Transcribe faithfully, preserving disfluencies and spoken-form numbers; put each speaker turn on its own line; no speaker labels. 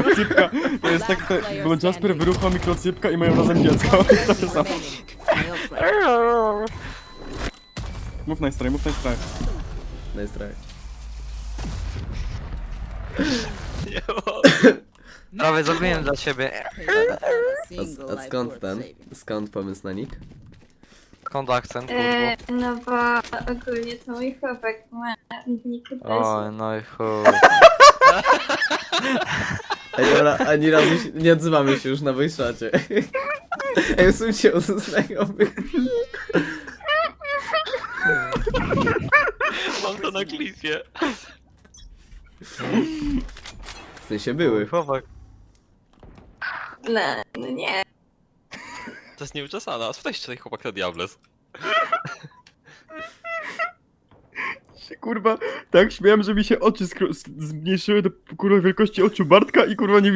mikrocypka. To jest tak, te, bo Jasper wyrucha mikrocypka i mają razem dziecko. To jest samo. Mów nice try, mów nice try.
Nice try.
Prawie zrobiłem dla ciebie.
A, a skąd ten? Skąd pomysł na nick?
Skąd akcent, kurwa?
E, no bo ogólnie to mój chłopak ma nick
Oj, no i chuj.
Ej, dobra, ani razu się, nie odzywamy się już na wejszacie. Ej, usuńcie od znajomych.
Mam to na klipie.
W sensie były.
Chłopak.
No, no nie.
To jest nieuczesane, a spytaj się tutaj chłopak na Diables.
Się, kurwa, tak śmiałem, że mi się oczy skro- zmniejszyły do kurwa wielkości oczu Bartka i kurwa nie